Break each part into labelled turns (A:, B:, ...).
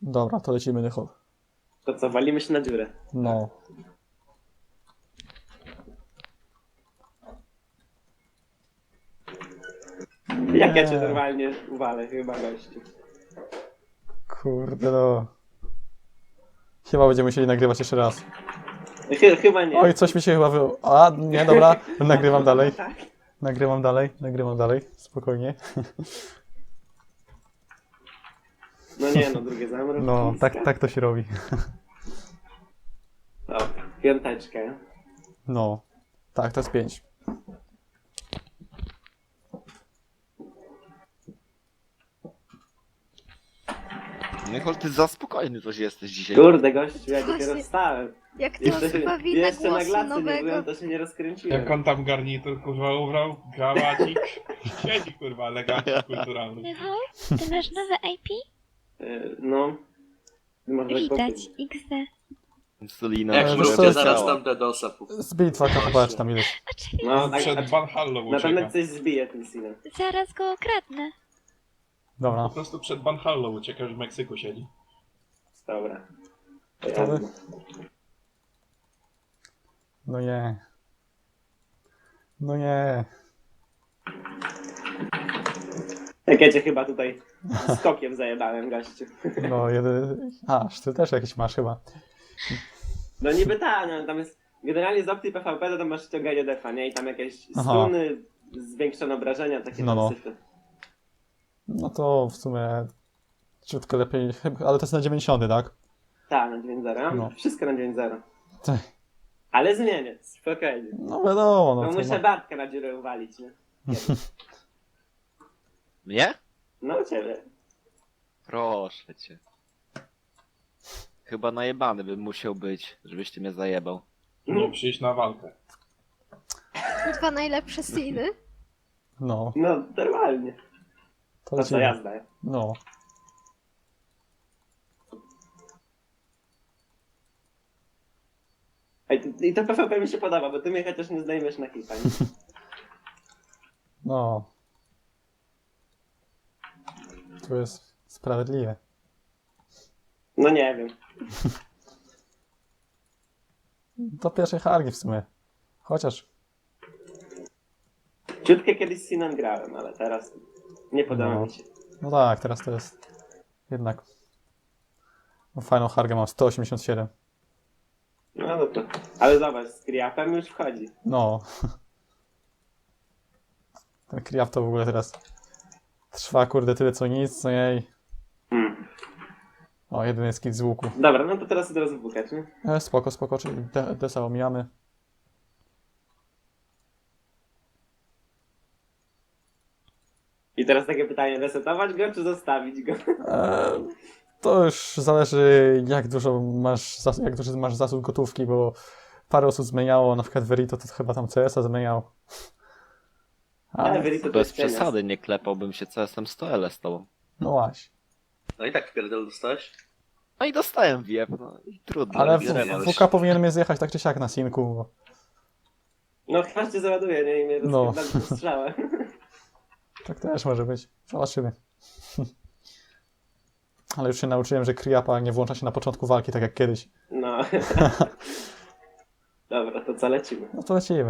A: Dobra, to lecimy Nychol.
B: To co, walimy się na dziurę.
A: No.
B: Jak ja cię normalnie uwalę chyba, gościu.
A: Kurde no. Chyba będziemy musieli nagrywać jeszcze raz.
B: Chyba nie.
A: Oj, coś mi się chyba A, nie, dobra. Nagrywam dalej.
B: Tak?
A: Nagrywam dalej. Spokojnie.
B: No nie, no drugie zamrok.
A: No, tak to się robi.
B: Dobra, piąteczkę.
A: No. Tak, to jest 5.
C: Nychol, ty za spokojny coś jesteś dzisiaj.
B: Kurde, gościu, ja
D: Właśnie.
B: dopiero wstałem.
D: Jak to
B: Jeszcze,
D: chyba wina
B: jeszcze na
D: głosu
B: glacy nie
D: nowego.
B: byłem, to się nie rozkręciłem.
E: Jak on tam garnitur kurwa ubrał, krawacik, siedzi kurwa elegancki, kulturalny.
F: Michał, ty masz nowe IP?
B: No. Można tak
F: Widać,
B: powiedzieć.
F: XD.
C: Insulina.
G: Jak
A: wiesz
G: mrówcie,
A: co,
G: zaraz tam DDoSa
A: Z bitwa chyba czy tam ileś.
F: Oczywiście,
B: No, tak,
E: Przed Banhallą
B: na pewno
E: ucieka.
B: coś zbije tym sinem.
F: zaraz go okradnę.
A: Dobra.
E: Po prostu przed Banhallą ucieka, już w Meksyku siedzi.
B: Dobra. To
A: Gotowy?
B: jazda.
A: No nie. No nie.
B: Jak ja cię chyba tutaj skokiem zajebałem, gościu.
A: No jeden. Ty też jakiś masz chyba.
B: No niby tak, no tam jest... Generalnie z opcji PvP to tam masz ściąganie defa, nie? I tam jakieś
A: Aha.
B: stuny, zwiększone obrażenia, takie
A: No, no.
B: syfy.
A: No to w sumie ciutko lepiej, ale to jest na 90, tak?
B: Tak, na 9.0.
A: No.
B: Wszystko na 9.0.
A: Tak.
B: Ale zmienię, spokojnie.
A: No wiadomo,
B: No
A: no to
B: muszę Bartka na dziurę uwalić, nie?
C: Mnie?
B: No u ciebie.
C: Proszę cię. Chyba najebany bym musiał być, żebyś ty mnie zajebał.
E: Nie przyjść na walkę.
D: Dwa najlepsze sceny.
A: No,
B: No, normalnie.
A: to
B: To co,
A: lecimy.
B: jazda.
A: No.
B: I to PvP mi się podoba, bo ty mnie chociaż nie zdejmiesz na hita, nie?
A: No. To jest sprawiedliwe.
B: No nie wiem.
A: Do pierwszej hargi w sumie. Chociaż.
B: Ciutkę kiedyś z Sinem grałem, ale teraz nie podoba
A: No.
B: mi się.
A: No tak, teraz to jest. Jednak. No, fajną hargę mam 187.
B: No to. Ale zobacz, z Kriapem już wchodzi.
A: No. Ten Kriap to w ogóle teraz trwa kurde tyle co nic, co jej.
B: Hmm.
A: O, jeden jest kit z łuku.
B: Dobra, no to teraz od razu wukać, nie?
A: Spoko, czyli desa omijamy.
B: I teraz takie pytanie, resetować go czy zostawić go?
A: To już zależy jak duży masz zasób gotówki, bo parę osób zmieniało, na przykład Verito to chyba tam CS-a zmieniał. Ale,
B: Verito to
C: Bez
B: jest cienias.
C: przesady nie klepałbym się CS-em 100L z tobą.
A: no właśnie.
G: No i tak pierdol dostałeś?
C: No i dostałem wiep, no i trudno.
A: Ale
C: nie
A: WK powinien mnie zjechać tak czy siak na sinku. Bo...
B: No chyba cię załaduje, nie? I mnie
A: No.
B: strzała.
A: Tak też może być. Zobaczymy. Ale już się nauczyłem, że Kriapa nie włącza się na początku walki, tak jak kiedyś.
B: No. Dobra, to co lecimy?
A: No to lecimy.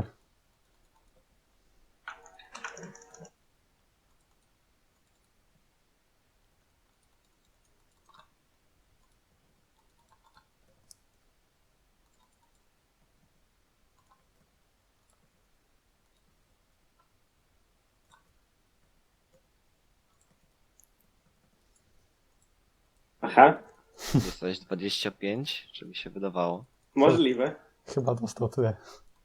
B: Aha,
C: Dostałeś 25, czy mi się wydawało?
B: możliwe.
A: Chyba dostał tyle.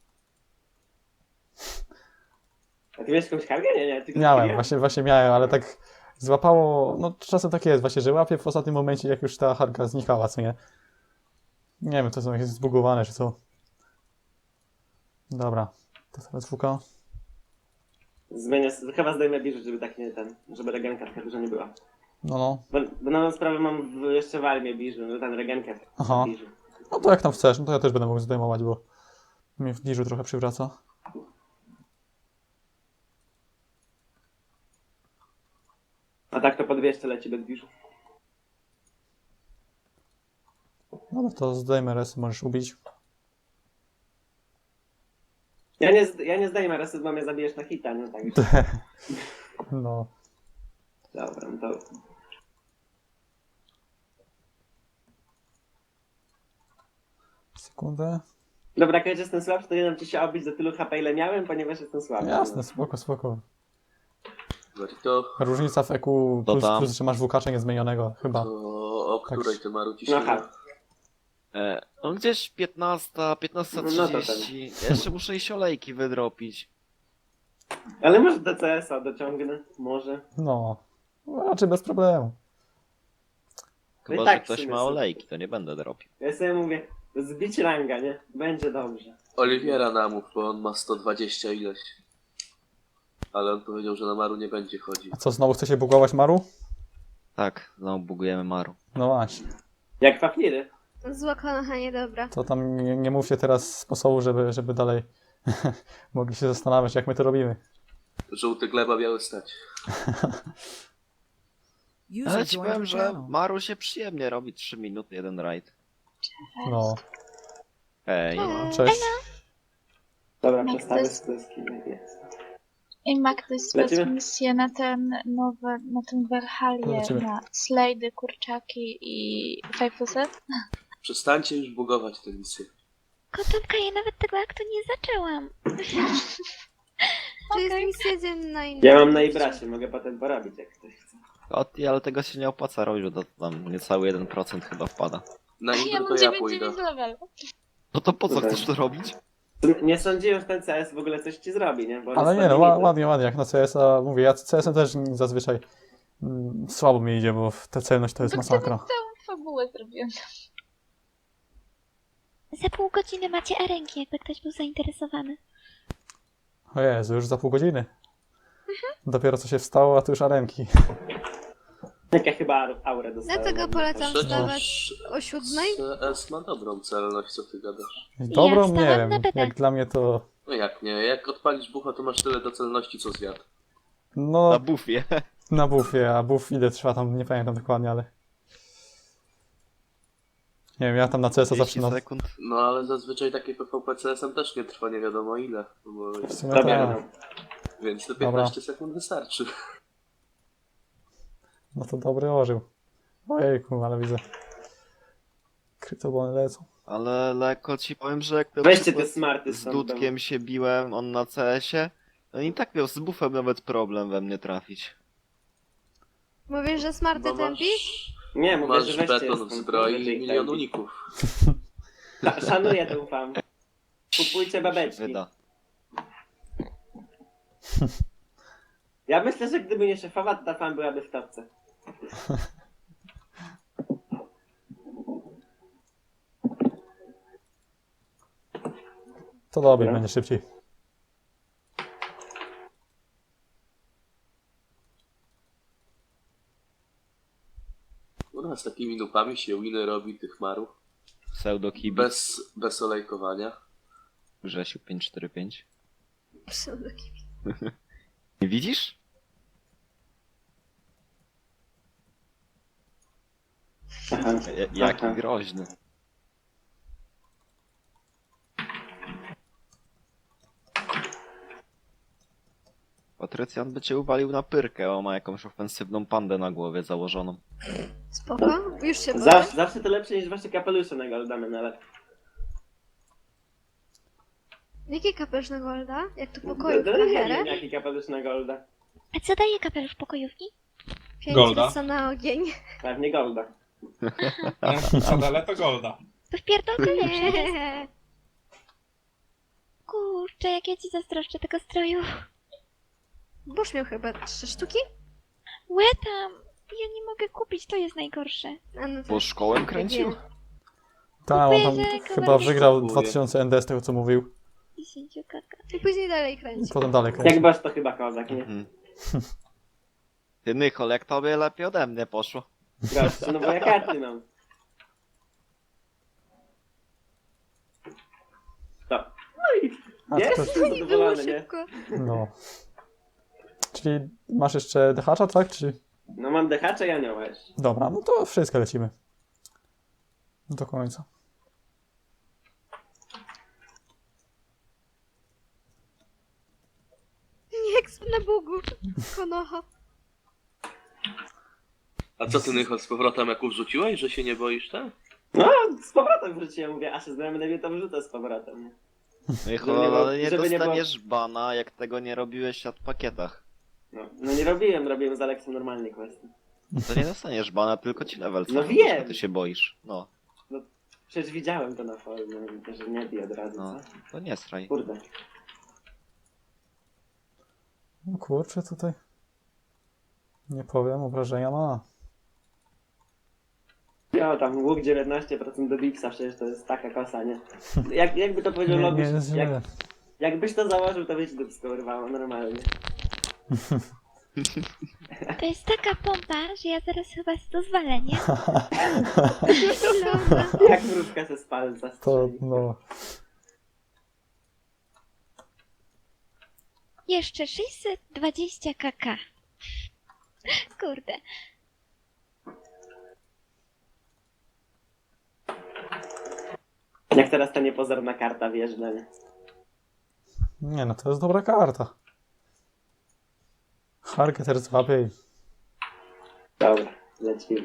B: A ty miałeś jakąś kargę? Nie, tylko
A: Miałem,
B: Kriap?
A: właśnie miałem, ale tak złapało, no czasem tak jest właśnie, że łapię w ostatnim momencie, jak już ta harka znikała, co nie? Nie wiem, to są jakieś zbugowane, czy co. Dobra, to teraz WK.
B: Zmienię, chyba zdejmę biżu, żeby tak nie żeby regenka taka dużo nie była.
A: No.
B: Bo na sprawę mam jeszcze w armię biżu, no ten regenkę
A: Aha.
B: biżu.
A: No to jak tam chcesz, no to ja też będę mógł zdejmować, bo mnie w bliżu trochę przywraca.
B: A tak to po 200 leci bez biżu.
A: No to zdejmę res, możesz ubić.
B: Ja nie zdaję reset, bo mnie zabijesz na hita, no tak.
A: No.
B: Dobra, no to...
A: Sekundę.
B: Dobra, jak jestem słabszy, to nie dam ci się obić do tylu HP, ile miałem, ponieważ jestem słabszy.
A: Jasne, spoko, spoko.
G: Verito,
A: Różnica w EQ
C: To
A: plus,
C: tam.
A: plus że masz WK niezmienionego, chyba.
G: to o
A: Tak.
G: której ty Maru ci
B: No
G: się
B: tak.
C: No gdzieś 15:30. Jeszcze muszę iść olejki wydropić.
B: Ale może DCS-a dociągnę, może.
A: No. Raczej bez problemu.
C: Chyba,
B: i tak
C: że ktoś
B: w sumie
C: ma
B: są.
C: olejki, to nie będę dropił.
B: Ja sobie mówię, zbić ranga, nie? Będzie dobrze.
G: Oliwiera namów, bo on ma 120 ileś. Ale on powiedział, że na Maru nie będzie chodził.
A: A co, znowu chce się bugować Maru?
C: Tak, znowu bugujemy Maru.
A: No właśnie.
B: Jak papiry.
D: Zła konocha niedobra.
A: To tam nie mówcie teraz sposobu, żeby dalej mogli się zastanawiać, jak my to robimy.
G: Żółty gleba biały stać.
C: Ale ci powiem, że Maru się przyjemnie robi 3 minuty, jeden rajd.
A: No.
C: Ej,
A: Cześć.
B: Dobra,
F: No,
B: przestawię
F: to jest-
B: skleski. Jest.
F: I ma ktoś
B: Lecimy?
F: misję na ten nowy, na ten Werhalię,
A: Lecimy.
F: na slajdy, kurczaki i 5+.
G: Przestańcie już bugować tę misję.
F: Kotonka, ja nawet tego aktu nie zaczęłam.
D: To jest misja dzienna i...
B: Ja mam na Ibrasie, mogę potem porobić, jak ktoś chce.
C: ale tego się nie opłaca robić, bo to tam niecały 1% chyba wpada.
G: Na
F: Ja
G: Indro
F: mam
G: to ja pójdę.
F: 9 level.
C: No to po co
B: Okej.
C: chcesz to robić?
B: Nie sądziłem, że ten CS w ogóle coś ci zrobi, nie? Bo on
A: Ale
B: jest
A: nie no,
B: ładnie.
A: ładnie, jak na CS-a mówię, ja CS-em też zazwyczaj słabo mi idzie, bo ta celność to jest masakra.
F: Całą fabułę zrobiłam. Za pół godziny macie arenki, jakby ktoś był zainteresowany.
A: O Jezu, już za pół godziny. Dopiero co się wstało, a tu już arenki.
B: Jak ja chyba aurę dostałem.
D: Dlatego polecam wstawać
G: Przecież
D: o 7.
G: CS ma dobrą celność, co ty gadasz.
A: Dobrą, nie
F: wstałam
A: wiem,
F: na bebę.
A: jak dla mnie to...
G: No jak nie, jak odpalisz bucha, to masz tyle do celności, co zwiat.
A: No,
C: Na bufie.
A: na buffie, a buff ile trwa tam, nie pamiętam dokładnie, ale... Nie wiem, ja tam na CS-a
C: 30
A: zawsze... No,
C: sekund.
G: No ale zazwyczaj takie PvP CS-em też nie trwa nie wiadomo ile. Bo...
A: w sumie
B: Dobra,
A: tak.
B: no.
G: Więc te
A: Dobra.
G: 15 sekund wystarczy.
A: No to dobry orzeł. Ojejku, ale widzę. Krytobony lecą.
C: Ale lekko ci powiem, że jak na
B: Weźcie
C: przykład
B: te smarty
C: z
B: stąd,
C: Dudkiem się biłem, on na CS-ie, no i tak miał z bufem nawet problem we mnie trafić.
D: Mówisz, że smarty
G: Bo
D: tępi?
B: Nie, mówię,
G: masz
B: że weźcie
G: beton w
B: stąd,
G: zbroi
B: weźcie
G: i
B: ich
G: milion
B: tam.
G: uników.
B: Szanuję tę fam. Kupujcie
C: Się
B: babeczki.
C: wyda.
B: Ja myślę, że gdyby nie szefowa, to ta fam byłaby w topce.
A: To dobry,
B: Dobra.
A: będzie szybciej.
G: U nas takimi nupami się winy robi tych marów.
C: Pseudokibi.
G: Bez olejkowania.
C: Grzesiu 545.
D: Pseudokibi.
C: Nie widzisz?
B: Aha.
C: Jaki
B: Aha.
C: groźny. Patrycjan by cię uwalił na pyrkę, o ma jakąś ofensywną pandę na głowie założoną.
D: Spoko? Już się boję.
B: Zawsze to lepsze niż wasze kapelusze na Goldamen, ale...
D: Jaki kapelusz na Golda? Jak to pokoju
B: Nie
D: na
B: wiem,
D: herę?
B: jaki kapelusz na Golda.
F: A co daje kapelusz pokojówki?
D: 5
E: Golda.
D: co na ogień.
B: Pewnie Golda.
E: Ale to golda.
F: To wpierdolka lepsza jest.
D: Nie.
F: Kurczę, jak ja ci zazdroszczę tego stroju.
D: Boż miał chyba 3 sztuki?
F: Łe tam! Ja nie mogę kupić, to jest najgorsze.
D: A no to...
C: Bo szkołę kręcił?
A: Tak, on tam
F: Kupuję, że
A: chyba
F: kamerę
A: wygrał
G: kupuję.
A: 2000 ND z tego co mówił.
F: 10 kaka.
D: I później dalej
A: I
D: kręci.
A: potem dalej kręcił.
B: Jak basz to chyba kozak, nie?
C: Mhm. Ty Nychol, jak tobie lepiej ode mnie poszło.
B: Gościu, no bo ja karty mam. To. No i
A: A, to
B: jest
A: też,
D: I było
B: zadowolony, nie?
D: szybko.
A: no. Czyli masz jeszcze dehacza, tak? Czy...
B: No mam dehacza i anioła jeszcze.
A: Dobra, no to wszystko lecimy. Do końca.
D: Jak na Bogu. Konoha.
G: A co ty, Nychol, z powrotem jak wrzuciłeś, że się nie boisz, tak?
B: No, z powrotem wróciłem, mówię, a się znajommy mnie to wrzucę z powrotem, nie?
C: No i
B: Żeby nie było-
C: ale nie
B: żeby nie było-
C: dostaniesz bana, jak tego nie robiłeś w pakietach.
B: No nie robiłem z Aleksem normalnie questy.
C: To nie dostaniesz bana, tylko ci level
B: No
C: cofną,
B: wiem.
C: że ty się boisz. No,
B: Przecież widziałem to na forum, że nie bij od razu,
C: no.
B: co?
C: To nie sraj.
B: Kurde.
A: No kurczę, tutaj. Nie powiem, obrażenia ma.
B: Ja tam łuk 19% do Bixa, przecież to jest taka kosa, nie? Jakby to powiedział
A: Nie,
B: Logisz,
A: nie jest źle.
B: jakbyś to założył, to byś dupsko urwało normalnie.
F: To jest taka pompa, że ja zaraz chyba to zwalę, nie?
D: Lona.
B: Jak wróżka se z palca
A: To,
B: strzeli.
A: no.
F: Jeszcze 620 kk. Kurde.
B: Jak teraz ta niepozorna karta wjeżdża, nie?
A: Nie no, to jest dobra karta. Hargeter złapie i...
B: Dobra, lecimy.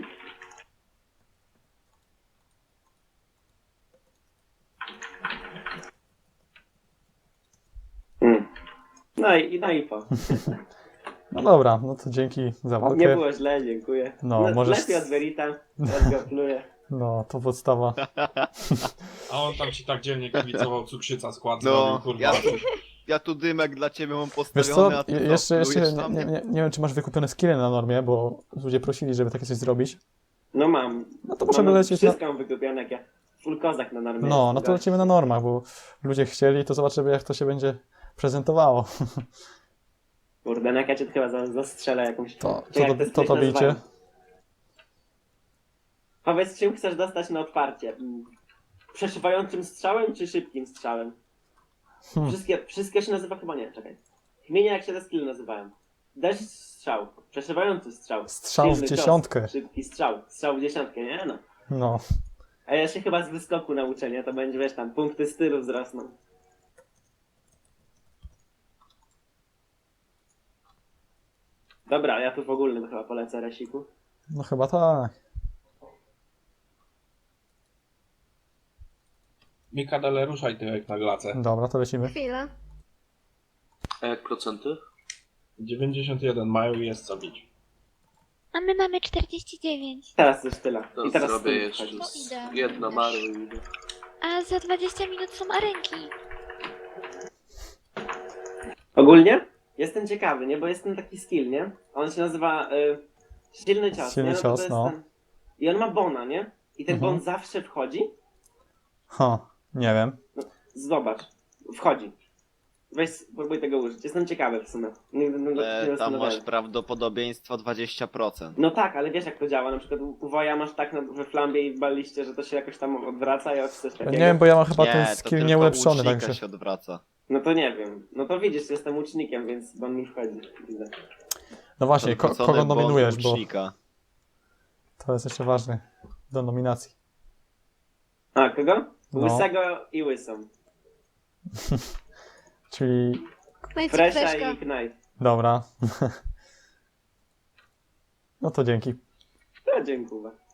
B: No i po.
A: No dobra, no to dzięki za
B: Nie
A: walkę.
B: było źle, dziękuję.
A: No, możesz-
B: Lepiej od Verita, teraz go pluję.
A: No, to podstawa.
E: A on tam ci tak dzielnie kibicował, cukrzyca skład
C: No,
E: zrobił, kurwa.
C: ja tu dymek dla ciebie mam
A: Wiesz
C: postawiony,
A: co,
C: a ty
A: jeszcze
C: plujesz na
A: nie,
C: mnie?
A: nie wiem, czy masz wykupione skille na normie, bo ludzie prosili, żeby takie coś zrobić.
B: No mam.
A: No to możemy
B: Mam
A: lecieć na...
B: wszystko mam wykupione, jak ja full kozak na normie.
A: No, no
B: jest,
A: to lecimy na normach, bo ludzie chcieli, to zobaczymy, jak to się będzie prezentowało.
B: Kurde, no jak ja cię chyba zastrzelę jakąś...
A: To
B: Czekaj, jak te skryty
A: to bicie.
B: nazywają? Powiedz, czym chcesz dostać na otwarcie? Przeszywającym strzałem czy szybkim strzałem? Wszystkie się nazywa chyba nie, czekaj. Wymienię jak się te skilly nazywają. Deszcz strzał, przeszywający strzał.
A: Strzał w
B: silny cios,
A: dziesiątkę.
B: Szybki strzał w dziesiątkę, nie no.
A: No,
B: A ja się chyba z wyskoku nauczę, nie? To będzie, wiesz, tam punkty stylu wzrosną. Dobra, ja tu w ogólnym chyba polecę Resiku.
A: no chyba tak.
E: Mikadele, ruszaj tyłek na glacę.
A: Dobra, to lecimy.
D: Chwila.
G: A jak procenty?
E: 91 mają i jest co bić.
F: A my mamy 49.
B: Teraz już tyle.
G: To
B: I teraz
G: zrobię
B: styl
G: jeszcze
B: wchodzi.
F: No idę.
G: jedno maru i idę.
F: A za 20 minut są arenki.
B: Ogólnie jestem ciekawy, nie? Bo jest ten taki skill, nie? On się nazywa silny cios,
A: Silny
B: nie? To
A: cios,
B: jest
A: no.
B: ten... I on ma bona, nie? I ten
A: Mhm.
B: bon zawsze wchodzi.
A: Ha, nie wiem.
B: Zobacz, wchodzi. Weź, spróbuj tego użyć. Jestem ciekawy w sumie. Nigdy nie
C: Tam
B: zastanawiałem.
C: masz prawdopodobieństwo 20%.
B: No tak, ale wiesz jak to działa. Na przykład u Woja masz tak we flambie i w baliście, że to się jakoś tam odwraca i coś takiego.
A: Nie wiem, bo ja mam chyba
C: Nie,
A: ten
C: to
A: skill
C: tylko
A: nieulepszony,
C: łucznika
A: także...
C: się odwraca.
B: No to nie wiem. No to widzisz, jestem łucznikiem, więc bon mi wchodzi. Widzę.
A: No właśnie,
C: Odwrócony
A: kogo
C: błąd
A: nominujesz, bo
C: łucznika.
A: to jest jeszcze ważne do nominacji.
B: A, kogo?
A: No.
B: Łysego i łysą.
A: Czyli,
D: No i co,
B: Fresha
D: Freszka?
B: i Knife.
A: dobra. No to dzięki.
B: To dziękuję.